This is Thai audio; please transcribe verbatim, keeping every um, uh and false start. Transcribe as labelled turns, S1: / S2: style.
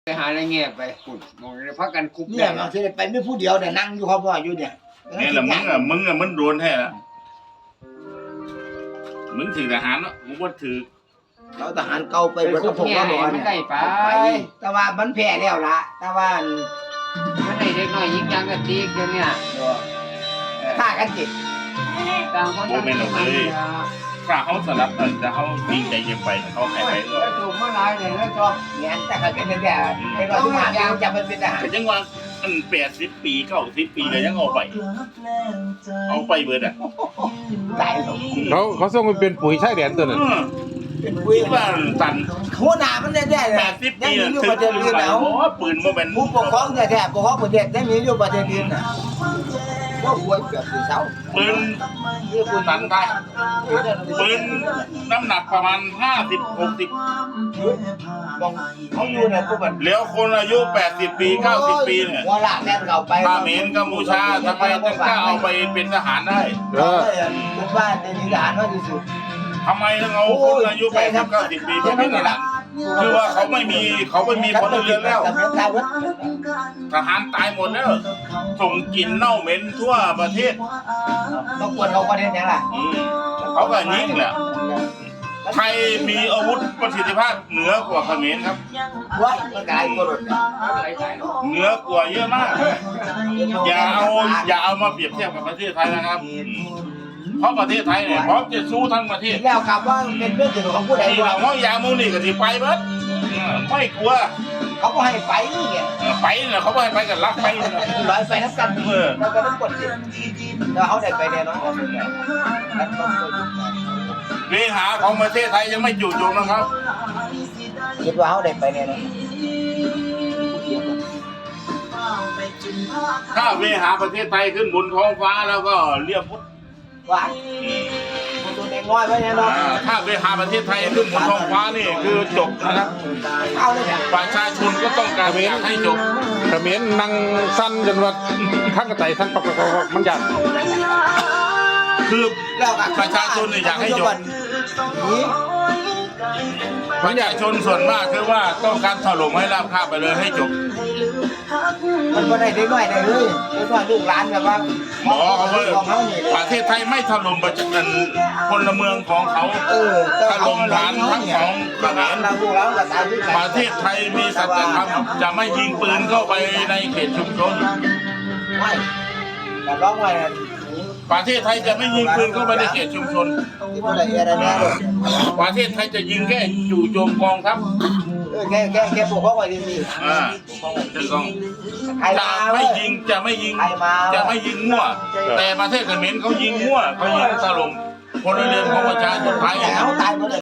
S1: ไปหาอะไรเงี้ยไปขุดมองเลยพักกันคุบ
S2: เนี่ยเราที่ไปไม่ผู้เดียวแต่นั่งอยู่เขาพ่ออยู่เนี่ย
S3: นี่แหละมึงอ่ะมึงอ่ะมันโดนแท้ละมึงถือทหารเนาะมึงบ่ถือ
S2: เราทหารเก่าไป
S1: ไป
S2: เบิด
S1: คุ
S2: กั
S1: บบ
S2: ผม
S1: เนี่ย
S2: ก็บอก
S1: มัน
S2: เนี่ย
S1: ได้ไป
S2: แต่ว่ามันแพ้แล้วล่ะแต่ว่า
S1: มันได้เด็กน้อยยิงยังกันตีกันเนี่ย
S2: ฆ่ากันจิต
S1: ต่างคนต่าง
S3: ถ้าเขาสลับกันจะเขาดีใจยังไปเขาใครไปก็
S1: แล้วถูกมาหลายเลยแล้วชอบ
S2: เนี่ยแต่เขาเป็นแต่ไอ้เราทหารยังจะไปเป็นทหาร
S3: แต่ยังว่าอันแปดสิบปีเก้าสิบปีก็ยังเอาไปเอาไปเบิดอ่ะ
S2: ตายหรอก
S4: เขาเขาส่งไปเป็นปุ๋ยชายแดนตัวนั้น
S2: เป็นปุ้ย
S3: คิดว่าตัน
S2: หัวหน้ามันได้ได้เลย
S3: แปดสิบ
S2: ยัง
S3: ปี
S2: มี
S3: อ่ะ
S2: อยู่
S3: ถื
S2: ป
S3: อ
S2: ระเทศ
S3: ปืน
S2: อื่น
S3: ไป
S2: แล้ว
S3: โอ้ปืนโมเมนต์
S2: ผู้ปกครองแท้ๆปกครองประเทศยังมีอยู่ประเทศอื่นน่ะว่าหวยเกือบสี่เสา
S3: ปืนตันได้ปืนน้ำหนักประมาณห้าสิบหกสิบ
S2: มองเขาอยู่เนี่ยพวกมัน
S3: แล้วคนอายุแปดสิบปีเก้าสิบปีเนี่ย
S2: หัวลากแน่นเก่าไป
S3: ถ้าเขมรกัมพูชาทำไมถึงกล้าเอาไปเป็นทหารได้
S4: เออ
S2: ผมว่าในนิทานว่าที่สุด
S3: ทำไมถึงเอาคนอายุแปดสิบเก้าสิบปีไปเป็นทหารคือว่าเขาไม่มีเขาไม่มีพลเรือนแล้ว ทหารตายหมดแล้วส่งกลิ่นเน่าเหม็นทั่วประเทศ
S2: ต้องควรเขาประเทศยังล่ะ
S3: อืมเขาก็ยิงแหละไทยมีอาวุธประสิทธิภาพเหนือกว่าเขมรครับ
S2: ว้ายมันกลายเป็นรถ
S3: เหนือกว่าเยอะมาก อย่าเอาอย่าเอามาเปรียบเทียบกับประเทศไทยนะครับอืมเพราะประเทศไทยเนี่ยพร้อมจะสู้ทั้งประเทศ
S2: แล้วกับว่าเป็นเรื่องถึงของผู้ใด
S3: ที่
S2: ว่า
S3: เราว่าอย่ามูนี่ก็ที่ไปเบิดอืมไม่กลัว
S2: เขาก็ให้ไปนี่ไง
S3: เออไปเนี่ยเขาไม่ให้ไปกันรักไปเนี่ย
S2: ร้อยไปนับกันแล้วก็ต้องกดสิแล้วเขาได้ไปแน่นอนแล้วต้อง
S3: เวหาของประเทศไทยยังไม่จู่โจมนะครับ
S2: คิดว่าเขาได้ไปแน่นอน
S3: ถ้าเวหาประเทศไทยขึ้นบนท้องฟ้าแล้วก็เรียบพุทธ
S2: ว่าตัวเด็กน้อยไว้แน่นอน
S3: อ่าถ้าเวหาประเทศไทยขึ้นบนท้องฟ้านี่คือจบนะครับ
S2: เอาเลยเนี่ย
S3: ประชาชนก็ต้องการอยากให้จบ
S4: เขมรนั่งสั้นจนว่าข้างกระต่ายสั้นปักปักปักมันยาก
S3: คือ
S2: แล้วกับ
S3: ประชาชนเนี่ยอยากให้จบ
S2: นี่
S3: ประชาชนส่วนมากคือว่าต้องการถล่มให้ราบคาบไปเลยให้จบ
S2: มันก็ได้เด็กน้อยได้เลยเด็กน้อยลูกหลานแบบว่า
S3: หมอเขาว่า
S2: ของเขานี่
S3: ประเทศไทยไม่ถล่มประชาชนพลเมืองของเขา
S2: เออ
S3: ถล่มฐานทั้งสองเขมร
S2: เราลูกหลานก็ตายด้วยกัน
S3: ประเทศไทยมีสัจธรรมจะไม่ยิงปืนเข้าไปในเขตชุมชน
S2: ไม่แต่ร้องไว้นะ
S3: ประเทศไทยจะไม่ยิงปืนเข้าไปในเขตชุมชน
S2: ที่ว่าอะไรอะไรแน่เลย
S3: ประเทศไทยจะยิงแค่จู่โจมกองทัพ
S2: เออแค่แค่แค่ปกป้องไว้ดี
S3: อ่าจะต้อง
S2: ๆใคร
S3: จะ
S2: มา
S3: ไม่ยิงจะไม่ยิง
S2: ใครมา
S3: จะไม่ยิงมั่ว แต่ประเทศเขมรเขายิงมั่วเขายิงถล่มพลเรือนของประชาชนไทย
S2: แต่เขาตายหมดเลย